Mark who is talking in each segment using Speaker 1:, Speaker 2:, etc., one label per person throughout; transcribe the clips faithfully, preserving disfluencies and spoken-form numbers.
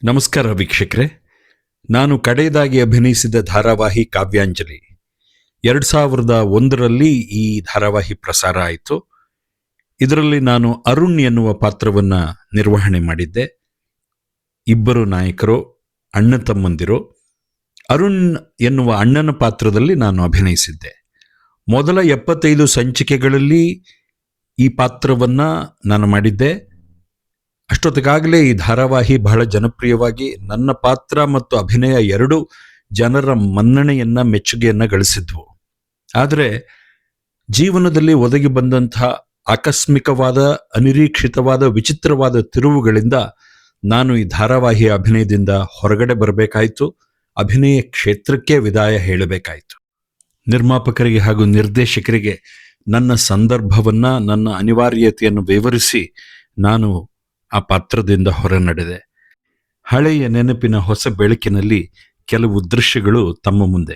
Speaker 1: ನಮಸ್ಕಾರ ವೀಕ್ಷಕರೇ, ನಾನು ಕಡೆಯದಾಗಿ ಅಭಿನಯಿಸಿದ ಧಾರಾವಾಹಿ ಕಾವ್ಯಾಂಜಲಿ ಎರಡು ಸಾವಿರದ ಒಂದರಲ್ಲಿ ಈ ಧಾರಾವಾಹಿ ಪ್ರಸಾರ ಆಯಿತು. ಇದರಲ್ಲಿ ನಾನು ಅರುಣ್ ಎನ್ನುವ ಪಾತ್ರವನ್ನು ನಿರ್ವಹಣೆ ಮಾಡಿದ್ದೆ. ಇಬ್ಬರು ನಾಯಕರು ಅಣ್ಣ ತಮ್ಮಂದಿರು. ಅರುಣ್ ಎನ್ನುವ ಅಣ್ಣನ ಪಾತ್ರದಲ್ಲಿ ನಾನು ಅಭಿನಯಿಸಿದ್ದೆ. ಮೊದಲ ಎಪ್ಪತ್ತೈದು ಸಂಚಿಕೆಗಳಲ್ಲಿ ಈ ಪಾತ್ರವನ್ನು ನಾನು ಮಾಡಿದ್ದೆ. ಅಷ್ಟೊತ್ತಿಗಾಗಲೇ ಈ ಧಾರಾವಾಹಿ ಬಹಳ ಜನಪ್ರಿಯವಾಗಿ ನನ್ನ ಪಾತ್ರ ಮತ್ತು ಅಭಿನಯ ಎರಡು ಜನರ ಮನ್ನಣೆಯನ್ನ ಮೆಚ್ಚುಗೆಯನ್ನ ಗಳಿಸಿದ್ವು. ಆದರೆ ಜೀವನದಲ್ಲಿ ಒದಗಿ ಬಂದಂತಹ ಆಕಸ್ಮಿಕವಾದ, ಅನಿರೀಕ್ಷಿತವಾದ, ವಿಚಿತ್ರವಾದ ತಿರುವುಗಳಿಂದ ನಾನು ಈ ಧಾರಾವಾಹಿಯ ಅಭಿನಯದಿಂದ ಹೊರಗಡೆ ಬರಬೇಕಾಯಿತು. ಅಭಿನಯ ಕ್ಷೇತ್ರಕ್ಕೆ ವಿದಾಯ ಹೇಳಬೇಕಾಯಿತು. ನಿರ್ಮಾಪಕರಿಗೆ ಹಾಗೂ ನಿರ್ದೇಶಕರಿಗೆ ನನ್ನ ಸಂದರ್ಭವನ್ನ, ನನ್ನ ಅನಿವಾರ್ಯತೆಯನ್ನು ವಿವರಿಸಿ ನಾನು ಆ ಪಾತ್ರದಿಂದ ಹೊರ ನಡೆದೆ. ಹಳೆಯ ನೆನಪಿನ ಹೊಸ ಬೆಳಕಿನಲ್ಲಿ ಕೆಲವು ದೃಶ್ಯಗಳು ತಮ್ಮ ಮುಂದೆ.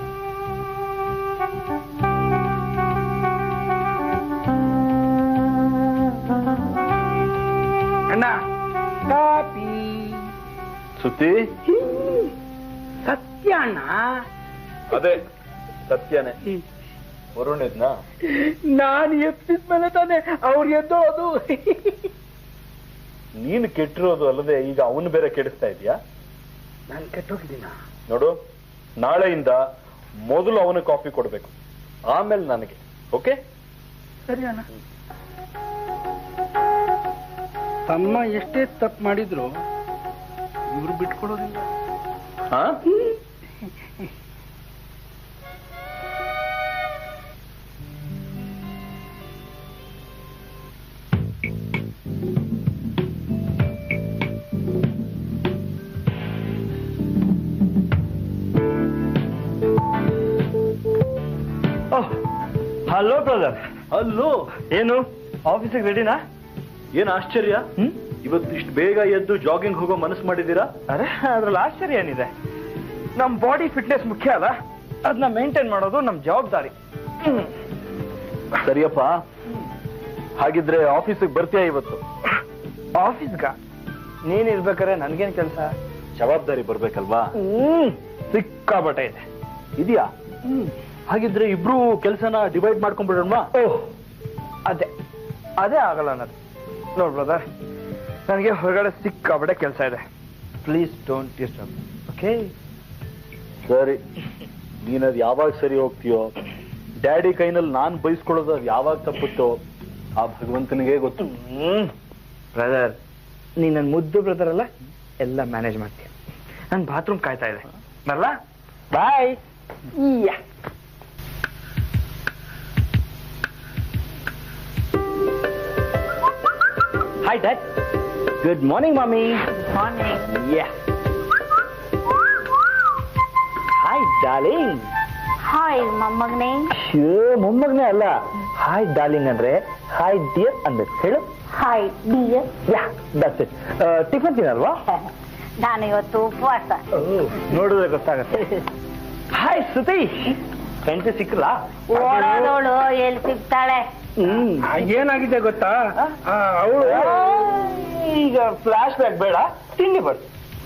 Speaker 2: ಅಣ್ಣ ಕಾಪಿ
Speaker 3: ಸುತ್ತಿ
Speaker 2: ಸತ್ಯ ಅಣ್ಣ.
Speaker 3: ಅದೇ ಸತ್ಯನೇ. ವರುಣ್ ಇದ್ನ
Speaker 2: ನಾನು ಎಪ್ಪಿದ್ಮೇಲೆ ತಾನೆ ಅವ್ರು ಎದ್ದೋದು.
Speaker 3: ನೀನು ಕೆಟ್ಟಿರೋದು ಅಲ್ಲದೆ ಈಗ ಅವನು ಬೇರೆ ಕೆಡಿಸ್ತಾ ಇದೀಯಾ?
Speaker 2: ನಾನು ಕೆಟ್ಟೋಗಿದ್ದೀನ
Speaker 3: ನೋಡು, ನಾಳೆಯಿಂದ ಮೊದಲು ಅವನು ಕಾಫಿ ಕೊಡ್ಬೇಕು, ಆಮೇಲೆ ನನಗೆ. ಓಕೆ?
Speaker 2: ಸರಿ ಅಣ್ಣ. ತಮ್ಮ ಎಷ್ಟೇ ತಪ್ಪು ಮಾಡಿದ್ರು ಇವ್ರು ಬಿಟ್ಕೊಡೋದಿಲ್ಲ.
Speaker 3: ಹಾ?
Speaker 4: Hello brother.
Speaker 3: ಅಲ್ಲೋ,
Speaker 4: ಏನು ಆಫೀಸಿಗೆ ರೆಡಿನಾ?
Speaker 3: ಏನ್ ಆಶ್ಚರ್ಯ, ಇವತ್ತು ಇಷ್ಟು ಬೇಗ ಎದ್ದು ಜಾಗಿಂಗ್ ಹೋಗೋ ಮನಸ್ಸು ಮಾಡಿದ್ದೀರಾ?
Speaker 4: ಅರೆ, ಅದ್ರಲ್ಲಿ ಆಶ್ಚರ್ಯ ಏನಿದೆ? ನಮ್ ಬಾಡಿ ಫಿಟ್ನೆಸ್ ಮುಖ್ಯ ಅಲ್ಲ, ಅದನ್ನ ಮೇಂಟೈನ್ ಮಾಡೋದು ನಮ್ ಜವಾಬ್ದಾರಿ.
Speaker 3: ಸರಿಯಪ್ಪ, ಹಾಗಿದ್ರೆ ಆಫೀಸಿಗೆ ಬರ್ತೀಯಾ ಇವತ್ತು?
Speaker 4: ಆಫೀಸ್ಗ ನೀನ್ ಇರ್ಬೇಕಾರೆ ನನ್ಗೇನ್ ಕೆಲಸ?
Speaker 3: ಜವಾಬ್ದಾರಿ ಬರ್ಬೇಕಲ್ವಾ?
Speaker 4: ಹ್ಮ್ ಸಿಕ್ಕಾಬಟ್ಟೆ ಇದೆ.
Speaker 3: ಇದೆಯಾ? ಹಾಗಿದ್ರೆ ಇಬ್ರು ಕೆಲಸನ ಡಿವೈಡ್ ಮಾಡ್ಕೊಂಡ್ಬಿಡೋಣ.
Speaker 4: ಓಹ್, ಅದೇ ಅದೇ ಆಗಲ್ಲ ಅನ್ನೋದು. ನೋಡ್ ಬ್ರದರ್, ನನಗೆ ಹೊರಗಡೆ ಸಿಕ್ಕಾಬಟ್ಟೆ ಕೆಲಸ ಇದೆ. Please don't disturb. ಓಕೆ?
Speaker 3: ಸರಿ, ನೀನದ್ ಯಾವಾಗ ಸರಿ ಹೋಗ್ತೀಯೋ, ಡ್ಯಾಡಿ ಕೈನಲ್ಲಿ ನಾನ್ ಬಯಸ್ಕೊಳ್ಳೋದು ಅದು ಯಾವಾಗ ತಪ್ಪುತ್ತೋ ಆ ಭಗವಂತನಿಗೆ ಗೊತ್ತು.
Speaker 4: ಹ್ಮ್ ಬ್ರದರ್, ನೀನ್ ನನ್ ಮುದ್ದು ಬ್ರದರ್ ಅಲ್ಲ, ಎಲ್ಲ ಮ್ಯಾನೇಜ್ ಮಾಡ್ತೀಯ. ನನ್ ಬಾತ್ರೂಮ್ ಕಾಯ್ತಾ ಇದೆ, ಬರಲ್ಲ? Bye. Hi dad. Good morning mummy.
Speaker 5: Morning.
Speaker 4: Yeah. Hi darling.
Speaker 5: Hi ಮೊಮ್ಮಗನೇ.
Speaker 4: ಮೊಮ್ಮಗನೇ ಅಲ್ಲ, ಹಾಯ್ ಡಾರ್ಲಿಂಗ್ ಅಂದ್ರೆ ಹಾಯ್ ಡಿಯರ್ ಅನ್ಬೇಕು. ಹೇಳು.
Speaker 5: Hi dear.
Speaker 4: Yeah, that's it. Tiffin ತಿನ್ನಲ್ವಾ?
Speaker 5: ನಾನು ಇವತ್ತು ಉಪವಾಸ.
Speaker 4: ನೋಡಿದ್ರೆ ಗೊತ್ತಾಗತ್ತೆ. ಹಾಯ್ ಸತೀಶ್. ಫ್ರೆಂಡ್ಸ್ ಸಿಕ್ಕಲ್ಲ?
Speaker 5: ಓಡೋದೋಳು ಎಲ್ಲಿ ಸಿಗ್ತಾಳೆ?
Speaker 4: ಹ್ಮ್
Speaker 2: ಏನಾಗಿದೆ ಗೊತ್ತಾ, ಅವಳು
Speaker 4: ಈಗ ಫ್ಲಾಶ್ ಬ್ಯಾಕ್ ಬೇಡ, ತಿಂಡಿ ಬರ್ತು.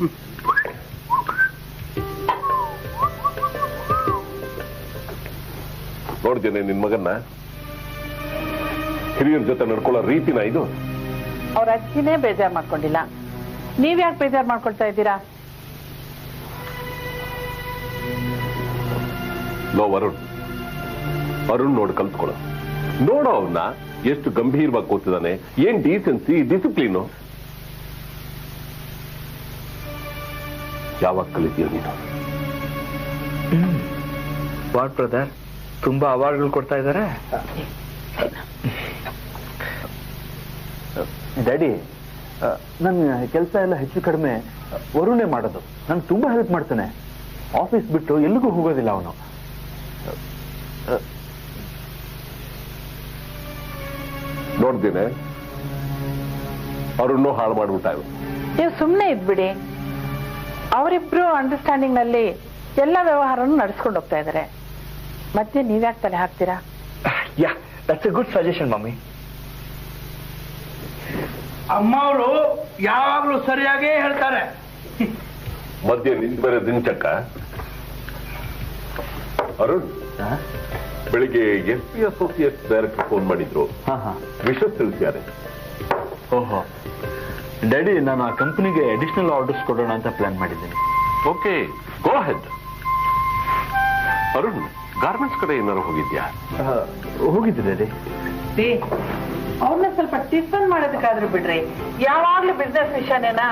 Speaker 6: ನೋಡ್ತೇನೆ ನಿನ್ ಮಗನ್ನ, ಹಿರಿಯರ ಜೊತೆ ನಡ್ಕೊಳ್ಳೋ ರೀತಿನ ಇದು.
Speaker 7: ಅವ್ರ ಅಜ್ಜಿನೇ ಬೇಜಾರ್ ಮಾಡ್ಕೊಂಡಿಲ್ಲ, ನೀವ್ ಯಾಕೆ ಬೇಜಾರ್ ಮಾಡ್ಕೊಳ್ತಾ ಇದ್ದೀರಾ?
Speaker 6: ಲೋ ವರುಣ್, ಅರುಣ್ ನೋಡ್ ಕಲ್ತ್ಕೊಳ್ಳೋ. ನೋಡೋ ಅವನ್ನ ಎಷ್ಟು ಗಂಭೀರವಾಗಿ ಕೂತಿದ್ದಾನೆ, ಏನ್ ಡೀಸೆನ್ಸಿ, ಡಿಸಿಪ್ಲಿನು. ಯಾವಾಗ ಕಲಿತೀಯ ನೀನು?
Speaker 4: ವಾಟ್ ಬ್ರದರ್, ತುಂಬಾ ಅವಾರ್ಡ್ಗಳು ಕೊಡ್ತಾ ಇದ್ದಾರೆ.
Speaker 3: ಡ್ಯಾಡಿ, ನನ್ನ ಕೆಲಸ ಎಲ್ಲ ಹೆಚ್ಚು ಕಡಿಮೆ ವರುಣೆ ಮಾಡೋದು. ನನ್ಗೆ ತುಂಬಾ ಹೆಲ್ಪ್ ಮಾಡ್ತಾನೆ. ಆಫೀಸ್ ಬಿಟ್ಟು ಎಲ್ಲಿಗೂ ಹೋಗೋದಿಲ್ಲ ಅವನು.
Speaker 6: ನೋಡ್ದೇನೆ ಅರುಣ್ಣು ಹಾಳು ಮಾಡ್ಬಿಟ್ಟ.
Speaker 7: ನೀವು ಸುಮ್ಮನೆ ಇದ್ಬಿಡಿ. ಅವರಿಬ್ರು ಅಂಡರ್ಸ್ಟ್ಯಾಂಡಿಂಗ್ ನಲ್ಲಿ ಎಲ್ಲ ವ್ಯವಹಾರನು ನಡೆಸ್ಕೊಂಡು ಹೋಗ್ತಾ ಇದ್ದಾರೆ. ಮತ್ತೆ ನೀವ್ಯಾಕೆ ತಲೆ ಹಾಕ್ತೀರಾ?
Speaker 4: Yeah, that's a good suggestion mummy.
Speaker 2: ಅಮ್ಮ ಅವರು ಯಾವಾಗ್ಲೂ ಸರಿಯಾಗೇ ಹೇಳ್ತಾರೆ.
Speaker 6: ಮಧ್ಯೆ ನಿಂತ ಬೇರೆ ದಿಂಚಕ್ಕ. ಅರುಣ್, ಬೆಳಿಗ್ಗೆ S P associate director phone ಮಾಡಿದ್ರು.
Speaker 3: ಹಾ ಹಾ
Speaker 6: ವಿಷಯ ತಿಳಿಸಿದ್ದಾರೆ.
Speaker 3: ಓಹೋ ಡ್ಯಾಡಿ, ನಾನು ಆ ಕಂಪನಿಗೆ ಅಡಿಷನಲ್ ಆರ್ಡರ್ಸ್ ಕೊಡೋಣ ಅಂತ ಪ್ಲಾನ್ ಮಾಡಿದ್ದೀನಿ.
Speaker 6: Okay, go ahead. Arun, garments ಕಡೆ ಏನಾರು ಹೋಗಿದ್ಯಾ?
Speaker 3: ಹೋಗಿದ್ದೆ ಡ್ಯಾಡಿ.
Speaker 7: ಅವ್ರನ್ನ ಸ್ವಲ್ಪ ಟಿಫನ್ ಮಾಡೋದಕ್ಕಾದ್ರೂ ಬಿಡ್ರಿ, ಯಾವಾಗ್ಲೂ ಬಿಸ್ನೆಸ್ ವಿಷಯನೇನಾ?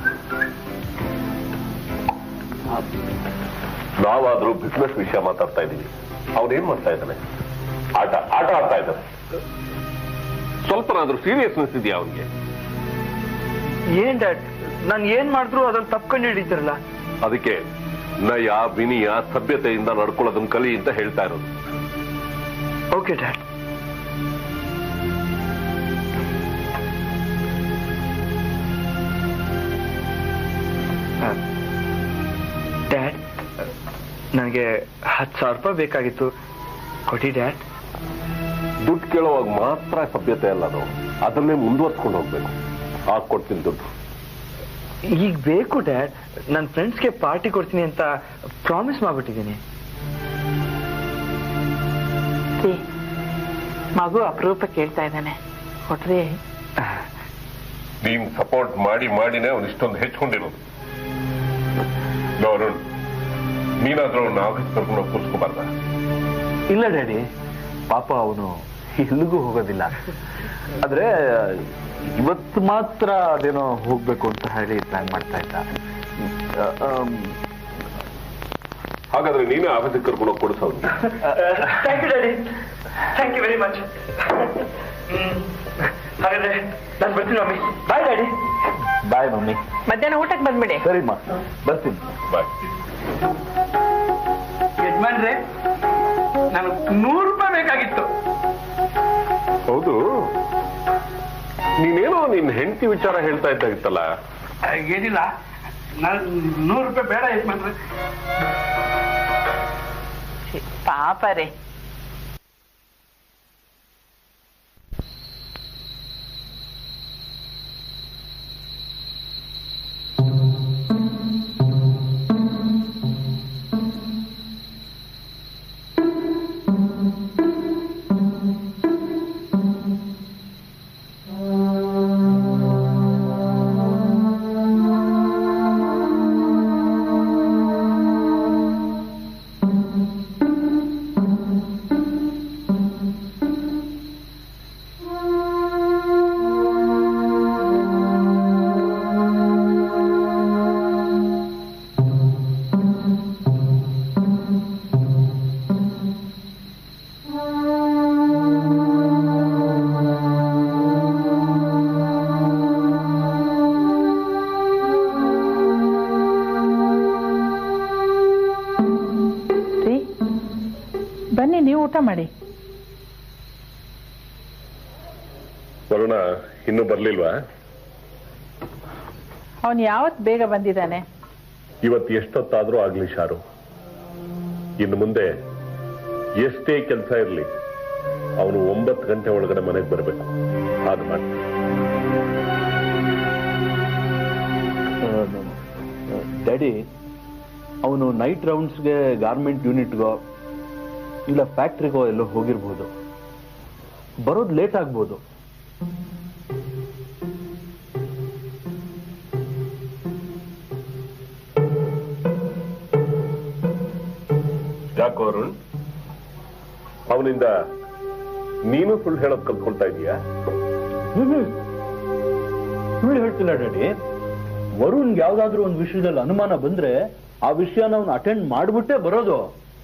Speaker 6: ನಾವಾದ್ರೂ ಬಿಸ್ನೆಸ್ ವಿಷಯ ಮಾತಾಡ್ತಾ ಇದೀವಿ, ಅವನೇನ್ ಮಾಡ್ತಾ ಇದ್ದಾನೆ? ಆಟ ಆಟ ಆಡ್ತಾ ಇದ್ದಾನೆ. ಸ್ವಲ್ಪನಾದ್ರೂ ಸೀರಿಯಸ್ನೆಸ್ ಇದೆಯಾ ಅವನಿಗೆ?
Speaker 4: ಏನ್ ಡ್ಯಾಡ್, ನಾನು ಏನ್ ಮಾಡಿದ್ರು ಅದನ್ನ ತಪ್ಕೊಂಡು ಹಿಡಿತಾರಲ್ಲ.
Speaker 6: ಅದಕ್ಕೆ ನಯ ವಿನಯ ಸಭ್ಯತೆಯಿಂದ ನಡ್ಕೊಳ್ಳೋದನ್ನ ಕಲಿ ಅಂತ ಹೇಳ್ತಾ ಇರೋದು.
Speaker 4: Okay dad. ಡ್ಯಾಡ್, ನನಗೆ ಹತ್ತು ಸಾವಿರ ರೂಪಾಯಿ ಬೇಕಾಗಿತ್ತು, ಕೊಡಿ ಡ್ಯಾಡ್.
Speaker 6: ದುಡ್ಡು ಕೇಳುವಾಗ ಮಾತ್ರ ಸಭ್ಯತೆ ಅಲ್ಲ, ಅದು ಅದನ್ನೇ ಮುಂದುವರ್ಸ್ಕೊಂಡು ಹೋಗ್ಬೇಕು. ಹಾಕೊಡ್ತೀನಿ ದುಡ್ಡು.
Speaker 4: ಈಗ ಬೇಕು ಡ್ಯಾಡ್, ನನ್ನ ಫ್ರೆಂಡ್ಸ್ಗೆ ಪಾರ್ಟಿ ಕೊಡ್ತೀನಿ ಅಂತ ಪ್ರಾಮಿಸ್ ಮಾಡ್ಬಿಟ್ಟಿದ್ದೀನಿ.
Speaker 7: ಮಗು ಅಪರೂಪ ಕೇಳ್ತಾ ಇದ್ದಾನೆ, ಕೊಟ್ರಿ.
Speaker 6: ನೀನ್ ಸಪೋರ್ಟ್ ಮಾಡಿ ಮಾಡಿನೇ ಅವ್ನು ಇಷ್ಟೊಂದು ಹೆಚ್ಕೊಂಡಿರೋದು. ಅರುಣ್, ನೀನಾದ್ರೂ ಅವ್ನ ಆಫೀಸ್ ಕರ್ಕೊಂಡು ಕೂರ್ಸ್ಕೋಬಾರ್ದ?
Speaker 3: ಇಲ್ಲ ಡ್ಯಾಡಿ, ಪಾಪ ಅವನು ಎಲ್ಲಿಗೂ ಹೋಗೋದಿಲ್ಲ. ಆದ್ರೆ ಇವತ್ತು ಮಾತ್ರ ಅದೇನೋ ಹೋಗ್ಬೇಕು ಅಂತ ಹೇಳಿ ಪ್ಲಾನ್ ಮಾಡ್ತಾ ಇದ್ದ.
Speaker 6: ಹಾಗಾದ್ರೆ ನೀನೇ ಆಫೀಸಿಗೆ ಕರ್ಕೊಂಡು ಹೋಗಿ ಕೊಡಿಸೋದು.
Speaker 4: Thank you daddy, thank you very much. ಹಾಗಾದ್ರೆ ನಾನು ಬರ್ತೀನಿ mummy. Bye daddy.
Speaker 3: Bye mummy.
Speaker 7: ಮಧ್ಯಾಹ್ನ ಊಟಕ್ಕೆ ಬಂದ್ಬಿಡಿ.
Speaker 3: ಸರಿಮ್ಮ, ಬರ್ತೀನಿ.
Speaker 6: ಬಾಯ್.
Speaker 2: ಯಜಮಾನ್ರೆ, ನನಗೆ ನೂರು ರೂಪಾಯಿ ಬೇಕಾಗಿತ್ತು.
Speaker 6: ಹೌದು, ನೀನೇನೋ ನಿನ್ ಹೆಂಡತಿ ವಿಚಾರ ಹೇಳ್ತಾ ಇದ್ದಾಗಿತ್ತಲ್ಲ?
Speaker 2: ಏನಿಲ್ಲ, ನಾನು ನೂರು ರೂಪಾಯಿ ಬೇಡ ಯಜಮಾನ್ರೆ.
Speaker 7: ಪಾಪ ರೇ. ಬನ್ನಿ, ನೀವು ಊಟ ಮಾಡಿ.
Speaker 6: ವರುಣ ಇನ್ನೂ ಬರ್ಲಿಲ್ವಾ?
Speaker 7: ಅವನು ಯಾವತ್ ಬೇಗ ಬಂದಿದ್ದಾನೆ?
Speaker 6: ಇವತ್ತು ಎಷ್ಟೊತ್ತಾದ್ರೂ ಆಗ್ಲಿ ಶಾರು. ಇನ್ನು ಮುಂದೆ ಎಷ್ಟೇ ಕೆಲಸ ಇರಲಿ, ಅವನು ಒಂಬತ್ತು ಗಂಟೆ ಒಳಗಡೆ ಮನೆಗೆ ಬರಬೇಕು. ಹಾಗೆ ಮಾಡಿ.
Speaker 3: ಡ್ಯಾಡಿ, ಅವನು ನೈಟ್ ರೌಂಡ್ಸ್ಗೆ ಗಾರ್ಮೆಂಟ್ ಯೂನಿಟ್ಗೋ ಇಲ್ಲ ಫ್ಯಾಕ್ಟ್ರಿಗೋ ಎಲ್ಲೋ ಹೋಗಿರ್ಬೋದು. ಬರೋದು ಲೇಟ್ ಆಗ್ಬೋದು.
Speaker 6: ಯಾಕೋ ಅರುಣ್, ಅವನಿಂದ ನೀನು ಸುಳ್ಳು ಹೇಳೋದು ಕಲ್ತ್ಕೊಳ್ತಾ ಇದೀಯಾ?
Speaker 3: ಸುಳ್ಳು ಹೇಳ್ತಿಲ್ಲ ಡ್ಯಾಡಿ. ವರುಣ್ಗೆ ಯಾವ್ದಾದ್ರು ಒಂದು ವಿಷಯದಲ್ಲಿ ಅನುಮಾನ ಬಂದ್ರೆ ಆ ವಿಷಯನ ಅವನು ಅಟೆಂಡ್ ಮಾಡ್ಬಿಟ್ಟೆ ಬರೋದು.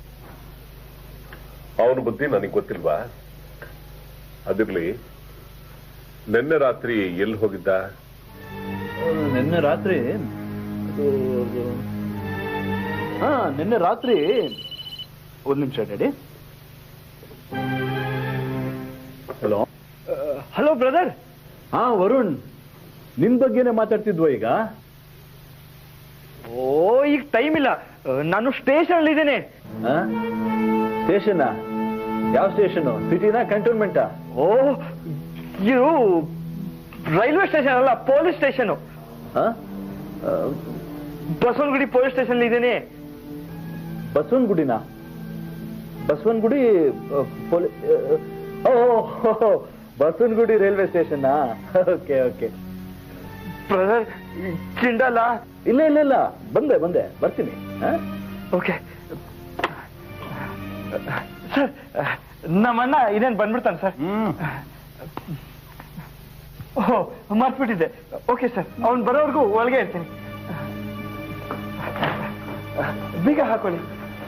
Speaker 6: ಅವನ ಬುದ್ಧಿ ನನಗೆ ಗೊತ್ತಿಲ್ವಾ? ಅದಿರ್ಲಿ, ನಿನ್ನೆ ರಾತ್ರಿ ಎಲ್ಲಿ ಹೋಗಿದ್ದ?
Speaker 3: ನಿನ್ನೆ ರಾತ್ರಿ ಹಾ ನಿನ್ನೆ ರಾತ್ರಿ ಒಂದ್ ನಿಮಿಷ ಡ್ಯಾಡಿ. Hello
Speaker 4: hello brother.
Speaker 3: ಹಾ ವರುಣ್, ನಿನ್ ಬಗ್ಗೆನೆ ಮಾತಾಡ್ತಿದ್ವ ಈಗ?
Speaker 4: ಓ, ಈಗ ಟೈಮ್ ಇಲ್ಲ, ನಾನು ಸ್ಟೇಷನ್ ಅಲ್ಲಿ ಇದ್ದೇನೆ.
Speaker 3: ಸ್ಟೇಷನ್? ಯಾವ ಸ್ಟೇಷನ್? ಸಿಟಿನಾ ಕಂಟೋನ್ಮೆಂಟಾ?
Speaker 4: ಓ, ಇದು ರೈಲ್ವೆ ಸ್ಟೇಷನ್ ಅಲ್ಲ, police station. Basavanagudi police station ಇದ್ದೀನಿ.
Speaker 3: ಬಸವನಗುಡಿನ ಬಸವನಗುಡಿ ಪೊಲೀ ಓ Basavanagudi railway station. Okay okay.
Speaker 4: Brother ಚಿಂಡಲ್ಲ.
Speaker 3: ಇಲ್ಲ ಇಲ್ಲ ಇಲ್ಲ ಬಂದೆ ಬಂದೆ ಬರ್ತೀನಿ.
Speaker 4: ಓಕೆ ಸರ್, ನಮ್ಮಣ್ಣ ಇದೇನು ಬಂದ್ಬಿಡ್ತಾನೆ ಸರ್. ಓಹ್ ಮರ್ತ್ಬಿಟ್ಟಿದ್ದೆ. ಓಕೆ ಸರ್, ಅವ್ನು ಬರೋವರೆಗೂ ಒಳಗೆ ಇರ್ತೀನಿ. ಬೀಗ ಹಾಕೊಳ್ಳಿ.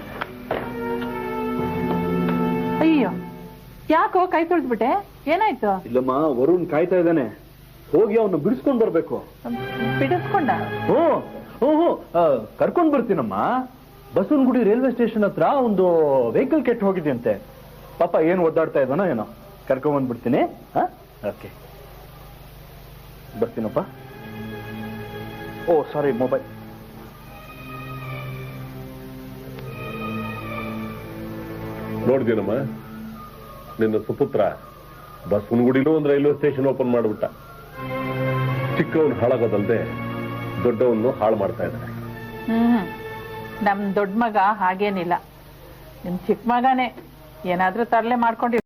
Speaker 7: ಅಯ್ಯೋ, ಯಾಕೋ ಕೈ ತೊಳ್ದ್ಬಿಟ್ಟೆ? ಏನಾಯ್ತು?
Speaker 3: ಇಲ್ಲಮ್ಮ, ವರುಣ್ ಕಾಯ್ತಾ ಇದ್ದಾನೆ, ಹೋಗಿ ಅವನ್ನ ಬಿಡಿಸ್ಕೊಂಡ್ ಬರ್ಬೇಕು.
Speaker 7: ಬಿಡಿಸ್ಕೊಂಡ?
Speaker 3: ಹ್ಞೂ ಹ್ಞೂ ಹ್ಞೂ ಕರ್ಕೊಂಡ್ ಬರ್ತೀನಮ್ಮ. ಬಸವನಗುಡಿ ರೈಲ್ವೆ ಸ್ಟೇಷನ್ ಹತ್ರ ಒಂದು ವೆಹಿಕಲ್ ಕೆಟ್ಟು ಹೋಗಿದೆಯಂತೆ. ಪಾಪ ಏನು ಒದ್ದಾಡ್ತಾ ಇದ್ದಾನೋ ಏನೋ, ಕರ್ಕೊಂಡ್ ಬಂದ್ಬಿಡ್ತೀನಿ. ಹಾ ಓಕೆ, ಬರ್ತೀನಪ್ಪ. ಓ ಸಾರಿ, ಮೊಬೈಲ್.
Speaker 6: ನೋಡ್ದೇನಮ್ಮ, ನಿನ್ನ ಸುಪುತ್ರ ಬಸವನಗುಡಿಲೂ ಒಂದು ರೈಲ್ವೆ ಸ್ಟೇಷನ್ ಓಪನ್ ಮಾಡ್ಬಿಟ್ಟ. ಚಿಕ್ಕವನು ಹಾಳಾಗೋದಲ್ದೆ ದೊಡ್ಡವನ್ನು ಹಾಳು ಮಾಡ್ತಾ ಇದ್ದಾನೆ.
Speaker 7: ಹ್ಮ್ ನಮ್ ದೊಡ್ಡ ಮಗ ಹಾಗೇನಿಲ್ಲ, ನಿಮ್ ಚಿಕ್ಕ ಮಗನೇ ಏನಾದ್ರೂ ತರಲೆ ಮಾಡ್ಕೊಂಡು